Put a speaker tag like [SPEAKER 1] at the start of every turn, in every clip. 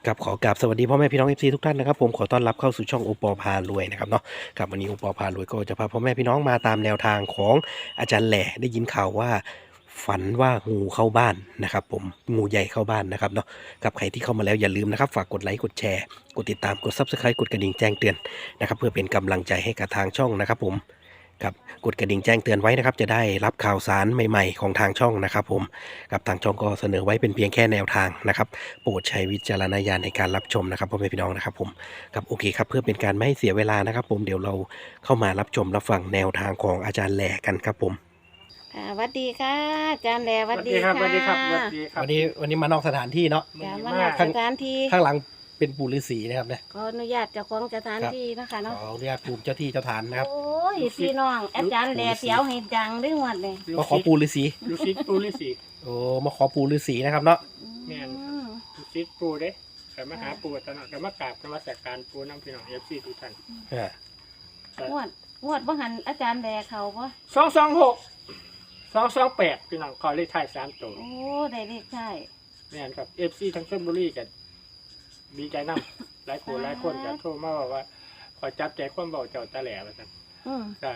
[SPEAKER 1] กับขอกราบสวัสดีพ่อแม่พี่น้อง FC ทุกท่านนะครับผมขอต้อนรับเข้าสู่ช่องโอปอพารวยนะครับเนาะครับวันนี้โอปอพารวยก็จะพาพ่อแม่พี่น้องมาตามแนวทางของอาจารย์แหล่ได้ยินข่าวว่าฝันว่างูเข้าบ้านนะครับผมงูใหญ่เข้าบ้านนะครับเนาะกับใครที่เข้ามาแล้วอย่าลืมนะครับฝากกดไลค์กดแชร์กดติดตามกด Subscribe กดกระดิ่งแจ้งเตือนนะครับเพื่อเป็นกำลังใจให้กับทางช่องนะครับผมครับกดกระดิ่งแจ้งเตือนไว้นะครับจะได้รับข่าวสารใหม่ๆของทางช่องนะครับผมกับทางช่องก็เสนอไว้เป็นเพียงแค่แนวทางนะครับโปรดใช้วิจารณญาณในการรับชมนะครับพ่อแม่พี่น้องนะครับผมครับโอเคครับเพื่อเป็นการไม่ให้เสียเวลานะครับผมเดี๋ยวเราเข้ามารับชมรับฟังแนวทางของอาจารย์แหล่กันครับผม
[SPEAKER 2] สวัสดีค่ะอาจารย์แหล่สวัสดี
[SPEAKER 3] ครับ
[SPEAKER 2] ค่ะ
[SPEAKER 3] สวัสดีครับสวัสดีครับ
[SPEAKER 1] วันนี้มานอกสถานที่เนาะ
[SPEAKER 2] จ้ะ
[SPEAKER 3] ดี
[SPEAKER 2] มา
[SPEAKER 3] มา
[SPEAKER 2] นั
[SPEAKER 3] ก
[SPEAKER 2] ดสถานที่
[SPEAKER 1] ข้างหลังเป็นปู่ฤาษีนะครับเนี่ย
[SPEAKER 2] ขออนุญาตเจ้าของสถานที่นะคะ
[SPEAKER 1] ข
[SPEAKER 2] เนาะ
[SPEAKER 1] ออนุญาตปู่เจ้าที่เจ้าทานนะครับ
[SPEAKER 2] โอ้ยพี่น้องอาจารย์แหล่เสียวให้ดังด้วยหมดเลย
[SPEAKER 1] มาขอปู่ฤาษี
[SPEAKER 3] ลูกศิษย์ปูฤาษี
[SPEAKER 1] โอ้มาขอปู่ฤาษีนะครับเนาะ
[SPEAKER 3] แม่น
[SPEAKER 2] อืม
[SPEAKER 3] ลูกศิษย์ปูเด้แต่มาหาปูตลอดแต่มากราบนมัสการปูน้ำพี่น้องเอฟซีทุกท่าน
[SPEAKER 1] อ่า
[SPEAKER 2] งวดว่าหันอาจารย์แหล่เขาปะ
[SPEAKER 3] 226 228พี่น้องขอเลขท้าย3ตัว
[SPEAKER 2] โอ้ได้เลขใช่
[SPEAKER 3] แม่นครับเอฟซีทั้งชลบุรีกันดีใจนำหลายคนหลายคนจะโทรมาบอกว่าขอจับใจความเบาเจ้าตาแหล่ว่าซั่น
[SPEAKER 2] อืม
[SPEAKER 3] ก็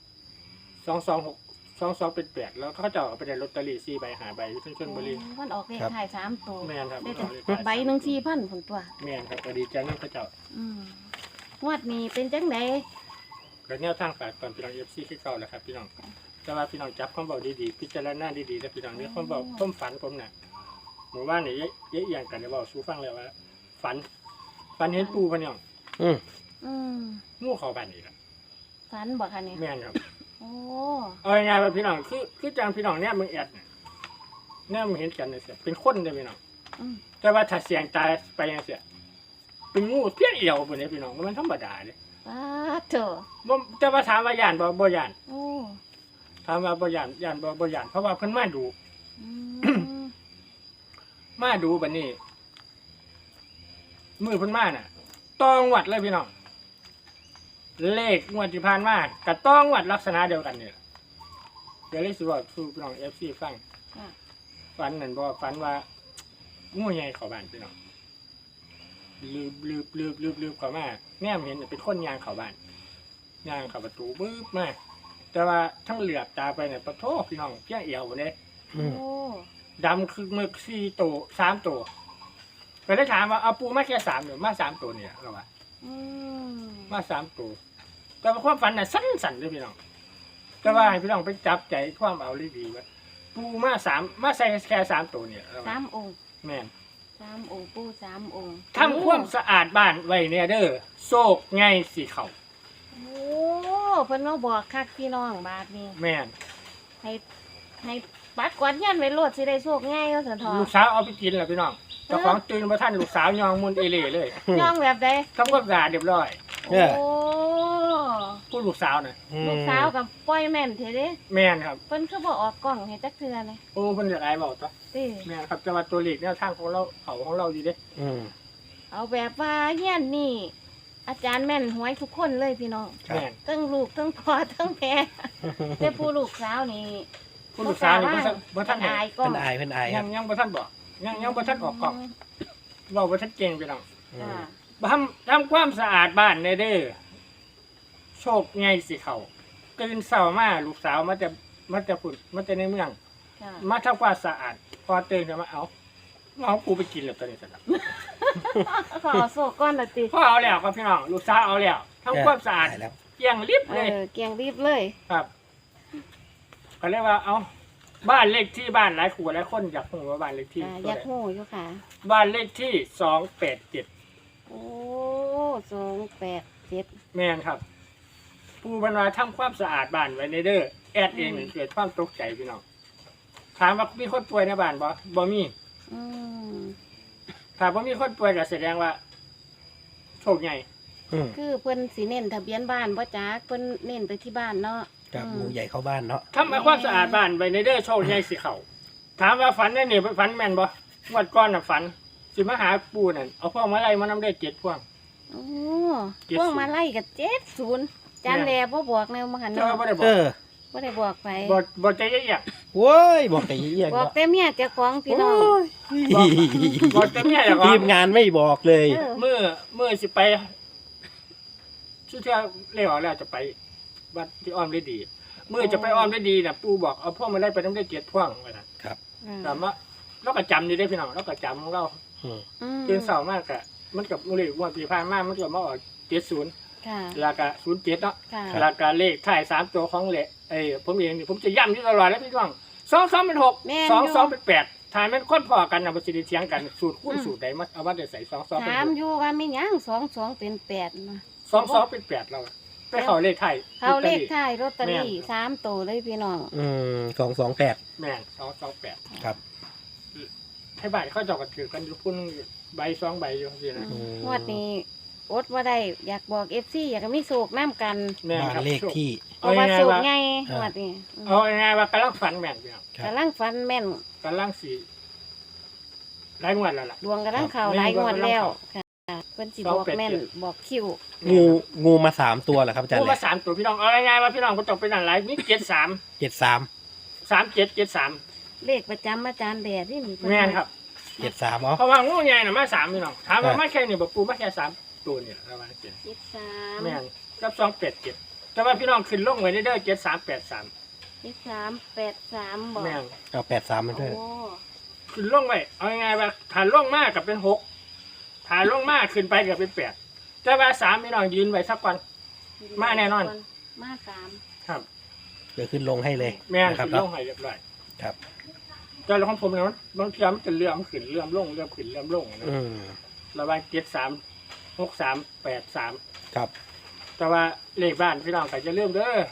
[SPEAKER 3] 226 22เป็น8แล้วเขาจะเอาไปได้ลอตเตอรี่4ใบ5ใบอยู่ทั้งชลบุรี
[SPEAKER 2] มันออกเลขไทาย3ตัว
[SPEAKER 3] แม่นครับ
[SPEAKER 2] ได้แต่ใบหนึ่ง4,000ผลตัว
[SPEAKER 3] แม่นครับก็ดีใจนำเขาเจ้า
[SPEAKER 2] อืมงวดนี้เป็นจังได
[SPEAKER 3] ก็แนวทางฝากก่อนพี่น้องเอฟซีที่เก่าแหละครับพี่น้องแต่ว่าพี่น้องจับความเบาดีๆพิจารณาดีๆแล้วพี่น้องนี่ความเบาความฝันผมน่ะหมู่บ้านนี่เยอะเอย่างกันเดี๋ยวบอกสู้ฟังเลยว่า ฝันเห็นปูพะเนี่ย
[SPEAKER 1] อืม
[SPEAKER 2] อืม
[SPEAKER 3] งูเข้าบ้านนี่แหละ
[SPEAKER 2] ฝันบอกค่ะเนี่ย
[SPEAKER 3] แม่นครับ
[SPEAKER 2] โอ้
[SPEAKER 3] เอาง่ายๆว่าพี่น้องคือจังพี่น้องเนี่ยมึงแอดเนี่ยมึงเห็นกันเนี่ยเสียเป็นคนเลยพี่น้อง
[SPEAKER 2] อืม
[SPEAKER 3] แต่ว่าถ้าเสียงตายไปยังเสียเป็นงูเพี้ยนเอี่ยวบนนี้พี่น้องมันธรรมดาเลย
[SPEAKER 2] ป้าเถอะ
[SPEAKER 3] บ่แต่ว่าถามว่าย่านบ่ย่าน
[SPEAKER 2] โอ้
[SPEAKER 3] ถามว่าบ่ย่านบ่ย่านเพราะว่าเพิ่นมาดู
[SPEAKER 2] อืม
[SPEAKER 3] มาดูบัดนี้ มือเพิ่นมาน่ะต้องวัดเลยพี่น้อง เลขงวดที่ผ่านมากับต้องวัดลักษณะเดียวกันเนี่ยเดี๋ยวเลยสิบอกสู่พี่น้อง FC ฟัง
[SPEAKER 2] ค่ะ
[SPEAKER 3] ฝันนั่นบ่ฝันว่างูใหญ่เข้าบ้านพี่น้องลืบเข้ามาแนมเห็นเป็นคนย่างเข้าบ้านย่างเข้าประตูบึ้บมาแต่ว่าทั้งเหลือบตาไปเนี่ยปะโทพี่น้องเพี้ยเอียวบ่เด้
[SPEAKER 1] อืม
[SPEAKER 2] โอ้
[SPEAKER 3] ดำคือมึก4ตัว3ตัวก็ได้ถามว่าเอาปูมาแค่3หรือมา3ตัวเนี่ยเราว่า
[SPEAKER 2] อืม
[SPEAKER 3] มา3ตัวแต่ว่าความฝันน่ะสั้นๆเลยพี่น้องแต่ว่าให้พี่น้องไปจับใจความเอาดีๆว่าปูมา3มาใส่แค่3ตัวเนี่ยเราว่า
[SPEAKER 2] 3 องค์
[SPEAKER 3] แม่น
[SPEAKER 2] 3 องค์ปู่3 องค์
[SPEAKER 3] ทำความสะอาดบ้านไว้เนี่ยเด้อโศกไงสิเขา
[SPEAKER 2] โอ้เพิ่นมาบอกคักพี่น้องบาดนี้
[SPEAKER 3] แม่น
[SPEAKER 2] ให้ปัดกวาดเฮียนไว้โลดสิได้โชคง่ายเนาะสันทอ
[SPEAKER 3] ลูกสาวเอาไปกินแล้วพี่น้องเจ้าของตื่นมาท่านลูกสาวยองมุนเอเล่เลย
[SPEAKER 2] ย่องแบบใด
[SPEAKER 3] ทำความสะอาดเรียบร้อย
[SPEAKER 2] โอ้
[SPEAKER 3] ผู้ลูกสาวน่ะ
[SPEAKER 2] ลูกสาวกับปล่อยแม่นเถอะเด้
[SPEAKER 3] แม่นครับ
[SPEAKER 2] เพิ่นคือบ่ออกกล้องให้จักเทื่อเลย
[SPEAKER 3] โอ้เพิ่นจะไอ้บอกตัว
[SPEAKER 2] ติ
[SPEAKER 3] แม่นครับจะมาตัวเลขแนวทางของเราเขาของเราอยู่เด้
[SPEAKER 1] อืม
[SPEAKER 2] เอาแบบว่าเฮียนนี่ อาจารย์แม่นหวยทุกคนเลยพี่น้อง
[SPEAKER 1] ครับ
[SPEAKER 3] แม่น
[SPEAKER 2] ทั้งลูกทั้งพ่อทั้งแม่แต่ผู้ลูกสาวนี่
[SPEAKER 3] ผู้ลูกสาวนี่บ่ทัน
[SPEAKER 2] อายกล้อ
[SPEAKER 1] เพิ่
[SPEAKER 2] ง
[SPEAKER 1] นอายเพิ่นอายค
[SPEAKER 3] ยั
[SPEAKER 1] รับ
[SPEAKER 3] งบ่ทันบอกยังบ่ทันออกกล้องเว้าบ่ทันเก่งพี่น้อง
[SPEAKER 1] อื
[SPEAKER 2] จ้าม
[SPEAKER 3] ทำความสะอาดบ้านเด้อโชคไงสิเขาตื่นเช้ามาลูกสาวมันจะพุ่นมันจะในเมือง
[SPEAKER 2] จ้า
[SPEAKER 3] มาทำความสะอาด พอตื่นขึ้นมาเอากูไปกินแล้วตัวนี้สิครับ
[SPEAKER 2] ขอโซก้อนละติ
[SPEAKER 3] พ่อเอาแล้วครับพี่น้องลูกสาวเอาแล้วทำความสะอาด
[SPEAKER 1] ได้แล้ว
[SPEAKER 3] เกลี่ยงลิบเลย
[SPEAKER 2] เกียงรีบเลย
[SPEAKER 3] ครับเขาเรียกว่าเอาบ้านเลขที่บ้านหลายขู่หลายคนอยากรู้ว่าบ้านเลขที่
[SPEAKER 2] อยากหูอยู่ค่ะ
[SPEAKER 3] บ้านเลขที่287
[SPEAKER 2] โอ้287
[SPEAKER 3] แม่นครับผู้บรรดาทำความสะอาดบ้านไว้ในเด้อแอดเองนี่เกิดความตกใจพี่น้องถามว่ามีคนป่วยในบ้านบ่มี
[SPEAKER 2] อืม
[SPEAKER 3] ถ้าบ่มีคนป่วยก็แสดงว่าโชคใหญ่
[SPEAKER 1] อืม
[SPEAKER 2] คือเพิ่นสิเน้นทะเบียนบ้านบ่จ๊ะเพิ่นเน้นไปที่บ้านเนาะ
[SPEAKER 1] กับงูใหญ่เข้าบ้านเนาะ
[SPEAKER 3] ทำความสะอาดบ้านไว้ในเด้อโชคใหญ่สิเขาถามว่าฝันได้นี่ฝันแม่นบ่งวดก่อนน่ะฝันสิมาหาปู่นั่นเอาพวกมาไล่มานำได้7พวง
[SPEAKER 2] โอ้
[SPEAKER 3] 70
[SPEAKER 2] พวกมาไล่กับ70จานแลบ่บอกแนวมาหัน
[SPEAKER 3] เจ้า
[SPEAKER 2] เนาะ
[SPEAKER 3] บ่ได้บอ
[SPEAKER 1] เอก อ
[SPEAKER 2] บ่ได้บอกไป
[SPEAKER 3] บ่ใจเย็น
[SPEAKER 1] โว้ยบอกแต่เยี่ยง
[SPEAKER 2] บอก
[SPEAKER 1] เนาะ
[SPEAKER 2] แต่เมียเจ้าของพี่น้อง
[SPEAKER 3] บอกจะเนี่ยอย่าง
[SPEAKER 1] ที
[SPEAKER 3] ว่าม
[SPEAKER 1] งานไม่บอกเลย
[SPEAKER 2] เออ
[SPEAKER 3] เมื่อสิไปชื่อเที่ยวเรียกว่าแล้วจะไปวัดที่อ้อมได้ดีเมื่อจะไปอ้อมได้ดีน่ะปู่บอกเอาพ่วงมาได้ไปต้องได้7พ่วงว่าน่ะ แต่ว่าเราก็จำนี่ได้พี่น้องเราก็จำของเรา
[SPEAKER 1] อืม
[SPEAKER 3] ตื่นเช้ามากอะมันกับเลขงวดปีผ่านมามันก็มาออก70
[SPEAKER 2] ค่ะ
[SPEAKER 3] แล้วก็07เนาะ
[SPEAKER 2] ค่ะ
[SPEAKER 3] แล้วก็เลขท้าย3ตัวของเลขผมเองนี่ผมจะย้ำอยู่ตลอดแล้วพี่น้อง22เป็น6
[SPEAKER 2] แม่นอยู่
[SPEAKER 3] 22เป็น8ถ้าแม่นคนพอกันน่ะบ่สิได้เถียงกันสูตรคูณสูตรใดมาเอามาได้ใส่22เป็น
[SPEAKER 2] ถาม
[SPEAKER 3] 6
[SPEAKER 2] อยู่ว่ามีหยัง22เป็น8นะ
[SPEAKER 3] 22เป็น8เราอะไปเข้าเลขไทย
[SPEAKER 2] เขาเลขท้ายลอตเตอรี่3ตัวเลยพี่น้อง
[SPEAKER 1] 228
[SPEAKER 3] แม่น228
[SPEAKER 1] ครับ
[SPEAKER 3] ให้บ้านเขาเจ้าก็ถือกันอยู่พุ่นใบ2ใบอยู่ซี่นะ
[SPEAKER 2] งวดนี้อดว่าได้อยากบอก FC อยากให้มีโศกน้ำกัน
[SPEAKER 3] แม่น
[SPEAKER 1] บ้าน
[SPEAKER 3] ครับ
[SPEAKER 1] เลขที่
[SPEAKER 2] เพราะว่าโศกไง
[SPEAKER 1] อ่าง
[SPEAKER 2] วดนี้
[SPEAKER 3] เอาง่ายๆว่ากำลังฝันแม่นพี่น้อง
[SPEAKER 1] ครับ
[SPEAKER 2] กำลังฟันแม่น
[SPEAKER 3] กำลังสิหลายงวดแล้วล่ะ
[SPEAKER 2] ดวงกำลังเข่าหลายงวดแล้วค่ะเพิ่นสิบอกแม่นบอกคิว
[SPEAKER 1] งูมา3ตัวเหรอครับอาจารย์
[SPEAKER 3] ผู้
[SPEAKER 1] แห
[SPEAKER 3] มา
[SPEAKER 1] ละ
[SPEAKER 3] 3ตัวพี่น้องเอาง่ายๆว่าพี่น้องบ่ต้องไปนั่นหลายมี73
[SPEAKER 1] 73
[SPEAKER 3] 3773
[SPEAKER 2] เลขประจำอาจารย์แดดที่มี
[SPEAKER 3] แม่นครับ
[SPEAKER 1] 73อ๋อ
[SPEAKER 3] เพราะว่างูใหญ่น่ะมา3พี่น้องถามว่ามาแค่นี้บ่ปูมาแค่3ตัวนี่ประมาณนี้
[SPEAKER 2] 23
[SPEAKER 3] แม่นกับ287แต่ว่าพี่น้องขึ้นลงไว้เด้อ7383
[SPEAKER 2] 2383บอก
[SPEAKER 3] แม่น
[SPEAKER 1] เอา83มาด้วย
[SPEAKER 2] โอ้
[SPEAKER 3] ขึ้นลงไว้เอาง่ายๆว่าถ้าลงมากกับเป็น6ถ้าลงมากขึ้นไปก็เป็น8แต่ว่า3พี่น้องยืนไว้สักวัน มาแน่นอน
[SPEAKER 2] มาสาม
[SPEAKER 3] ครับ
[SPEAKER 1] เดี๋ยวขึ้นลงให้เลย
[SPEAKER 3] แม่น
[SPEAKER 1] นะครับ
[SPEAKER 3] ขึ้นล
[SPEAKER 1] เนาะ
[SPEAKER 3] งให้เรียบร้อย
[SPEAKER 1] ครับ
[SPEAKER 3] แต่ของผมเนี่ยมันเทียมจะเลื่อมขึ้นเลื่อมลงเลื่อมขึ้นเลื่อมลงนะ
[SPEAKER 1] อืม
[SPEAKER 3] ระหว่าง73 63 83
[SPEAKER 1] ครับ
[SPEAKER 3] แต่ว่าเลขบ้านพี่น้องก็จะเริ่มเด้อ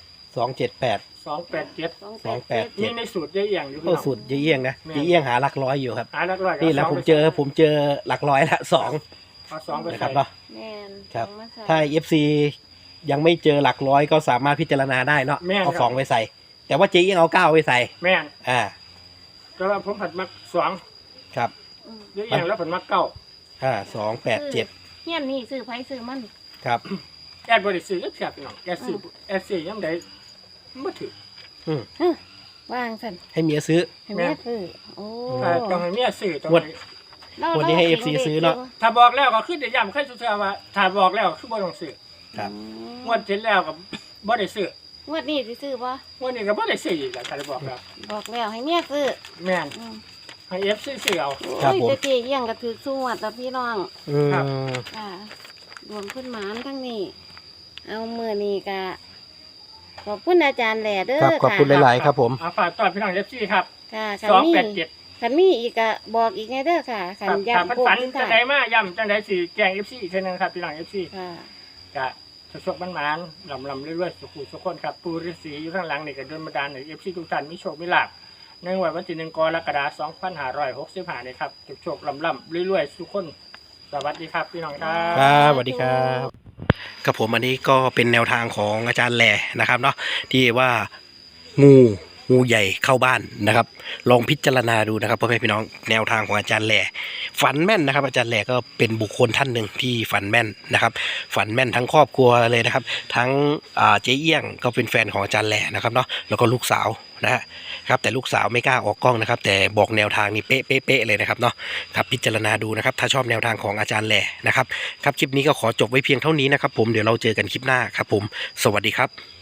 [SPEAKER 1] 278
[SPEAKER 3] 287
[SPEAKER 1] 287
[SPEAKER 3] มีในสูตรเยอะอย่างอยู่พี่
[SPEAKER 1] โอ้
[SPEAKER 3] น้อง
[SPEAKER 1] สุดเยี่ยงนะเยี่ยงหาหลักร้อยอยู่ครับ
[SPEAKER 3] หาหลักร้อย
[SPEAKER 1] นี่แหละผมเจอหลักร้อยละ2
[SPEAKER 3] เอา2ไป
[SPEAKER 1] นะค
[SPEAKER 3] ใส่
[SPEAKER 1] รับเนาะ
[SPEAKER 2] แม่น
[SPEAKER 1] ครับ
[SPEAKER 2] สองมาใส่
[SPEAKER 1] ถ้า FC ยังไม่เจอหลักร้อยก็สามารถพิจารณาได้เนาะเอา2ไปใส่ แต่ว่าเจ๊ยังเอา9ไปใส่
[SPEAKER 3] แม่น
[SPEAKER 1] อ่า
[SPEAKER 3] แต่ว่าผมผัดมัก2
[SPEAKER 1] ครับ
[SPEAKER 2] อืม
[SPEAKER 3] เยอะอย่างแล้วผัดมัก9
[SPEAKER 1] 287
[SPEAKER 2] เฮียนนี่ซื้อไผซื้อมัน
[SPEAKER 1] ครับ
[SPEAKER 3] แอดบ่ได้ซื้อก็เสียพี่น้องแอดซื้อยามใดบ่ถือ
[SPEAKER 2] วางสั่น
[SPEAKER 1] ให้เมียซื้อ
[SPEAKER 2] ให้แม่ซื้อโอ้
[SPEAKER 3] ต้องให้เมียซื้อต้อง
[SPEAKER 1] งวด
[SPEAKER 3] ให้
[SPEAKER 1] วันนี้ให้ FC ซื้อเนาะ
[SPEAKER 3] ถ้าบอกแล้วก็คือได้ย้ำใครซื่อๆว่าถ้าบอกแล้วคือบ่ต้องซื้อ
[SPEAKER 1] ครับ
[SPEAKER 3] งวดที่แล้วก็บ่ได้ซื้อง
[SPEAKER 2] วดนี้สิซื้อบ่
[SPEAKER 3] งวดนี้ก็บ่ได้ซื้ออีกแล้วถ้าได้บอกแล้ว
[SPEAKER 2] บอกแล้วให้เมียซื้อ
[SPEAKER 3] แม่น
[SPEAKER 2] อืม
[SPEAKER 3] ให้ FC ซื้อเอา
[SPEAKER 1] ครับ
[SPEAKER 2] โอ้ย
[SPEAKER 1] ผม
[SPEAKER 2] แต่เจ๊เยี่ยงก็ถือสู้อ่ะแต่พี่น้อง
[SPEAKER 1] อืม
[SPEAKER 3] ครับ
[SPEAKER 2] ค่ะรวมขึ้นหมานทั้งนี้ เอามือนี้ก็ขอบคุณอาจารย์แหล่เด้อ
[SPEAKER 1] ครับขอบคุณ
[SPEAKER 2] ค่ะ
[SPEAKER 1] หลายๆครับผม
[SPEAKER 3] เอาฝากตอนพี่น้อง FC ครับ
[SPEAKER 2] ค่ะขันมี
[SPEAKER 3] 287
[SPEAKER 2] ขันมีอีกก็บอกอีกไงเด้อค่ะขัน
[SPEAKER 3] ครับ
[SPEAKER 2] ย้ำ
[SPEAKER 3] ถ้าเพิ่น
[SPEAKER 2] โค้ง
[SPEAKER 3] ฝัน
[SPEAKER 2] ขึ้น
[SPEAKER 3] จัง
[SPEAKER 2] ถ่า
[SPEAKER 3] ได
[SPEAKER 2] ย
[SPEAKER 3] มาย้ำจังไดสิแจ้ง FC อีกเทื่อนึงครับพี่น้อง FC
[SPEAKER 2] ค่ะ
[SPEAKER 3] ก็สดๆมันๆลำๆเรื่อยๆสุขคนครับปู่ฤาษีอยู่ข้างหลังนี่ก็โดนบันดาลให้ FC ทุกท่านมีโชคมีลาภในวันที่1กรกฎาคม2565นี่ครับโชคๆลำๆเรื่อยๆทุกคนสวัสดีครับพี่น้องครับ
[SPEAKER 1] ครับสวัสดีครับกับผมอันนี้ก็เป็นแนวทางของอาจารย์แหล่นะครับเนาะที่ว่างูใหญ่เข้าบ้านนะครับ ลองพิจารณาดูนะครับพ่อแม่พี่น้องแนวทางของอาจารย์แหล่ฝันแม่นนะครับ อาจารย์แหล่ก็เป็นบุคคลท่านหนึ่งที่ฝันแม่นนะครับ ฝันแม่นทั้งครอบครัวเลยนะครับ ทั้งเจ๊เอี้ยงก็เป็นแฟนของอาจารย์แหล่นะครับเนาะแล้วก็ลูกสาวนะครับแต่ลูกสาวไม่กล้าออกกล้องนะครับ แต่บอกแนวทางนี่เป๊ะเลยนะครับเนาะครับพิจารณาดูนะครับถ้าชอบแนวทางของอาจารย์แหล่นะครับครับคลิปนี้ก็ขอจบไว้เพียงเท่านี้นะครับผมเดี๋ยวเราเจอกันคลิปหน้าครับผมสวัสดีครับ